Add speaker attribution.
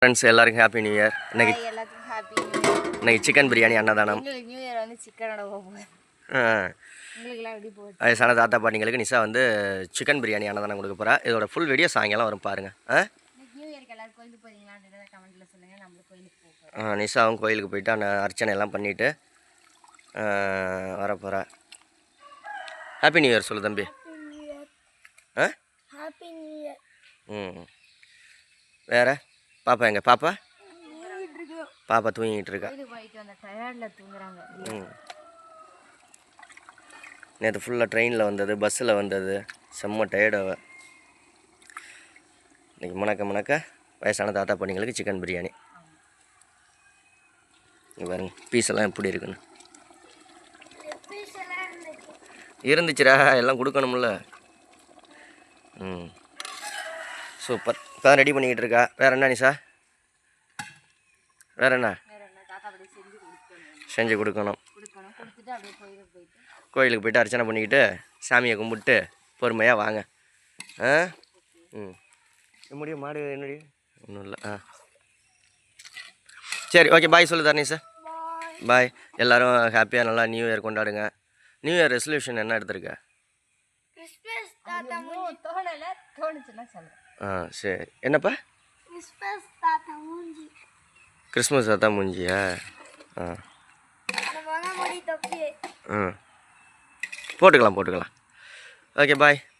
Speaker 1: Friends எல்லாருக்கும் happy new year.
Speaker 2: எல்லாத்துக்கும் happy new year.
Speaker 1: இன்னைக்கு சிக்கன் பிரியாணி அன்னதானம்.
Speaker 2: நியூ இயர் வந்து சிக்கனோட போகுது. உங்களுக்குலாம் எப்படி போகுது?
Speaker 1: வயசான தாத்தா பாட்டிங்களுக்கு நிஷா வந்து சிக்கன் பிரியாணி அன்னதானம் கொடுக்க போகிறா. இதோட ஃபுல் வீடியோ சாயங்காலம் வரும் பாருங்கள்.
Speaker 2: நியூ இயர்க்கு எல்லாரும் கோயிலுக்கு போகிறீங்களான்றத கமெண்ட்டில் சொல்லுங்கள். நம்மளும் கோயிலுக்கு போகிறோம்.
Speaker 1: நிஷாவும் கோயிலுக்கு போயிட்டு அந்த அர்ச்சனை எல்லாம் பண்ணிவிட்டு வரப்போகிறா. ஹாப்பி நியூ இயர் சொல்லு தம்பி.
Speaker 2: Happy new year.
Speaker 1: வேறு பாப்பா எங்க பாப்பா தூங்கிட்டு இருக்கா. நேற்று ஃபுல்லாக ட்ரெயினில் வந்தது, பஸ்ஸில் வந்தது, செம்ம டயர்டாக. இன்றைக்கி மணக்க வயசான தாத்தா பாட்டிங்களுக்கு சிக்கன் பிரியாணி. பாருங்க பீஸ் எல்லாம் எப்படி இருக்குன்னு. இருந்துச்சுரா, எல்லாம் கொடுக்கணும்ல. சூப்பர். இப்போ தான் ரெடி பண்ணிக்கிட்டு இருக்கா. வேறு என்ன நிஷா? வேறு என்ன செஞ்சு கொடுக்கணும். கோயிலுக்கு போய்ட்டு அர்ச்சனை பண்ணிக்கிட்டு சாமியை கும்பிட்டு பொறுமையாக வாங்க. முடியும் மாடு என்னடி ஒன்றும் இல்லை. சரி ஓகே பாய் சொல்லு தரணி சார். பாய். எல்லோரும் ஹாப்பியாக நல்லா நியூ இயர் கொண்டாடுங்க. நியூ இயர் ரெசல்யூஷன் என்ன எடுத்திருக்க? சரி என்னப்பா? கிறிஸ்மஸ் தாத்தா மூஞ்சியா? போட்டுக்கலாம். ஓகே பாய்.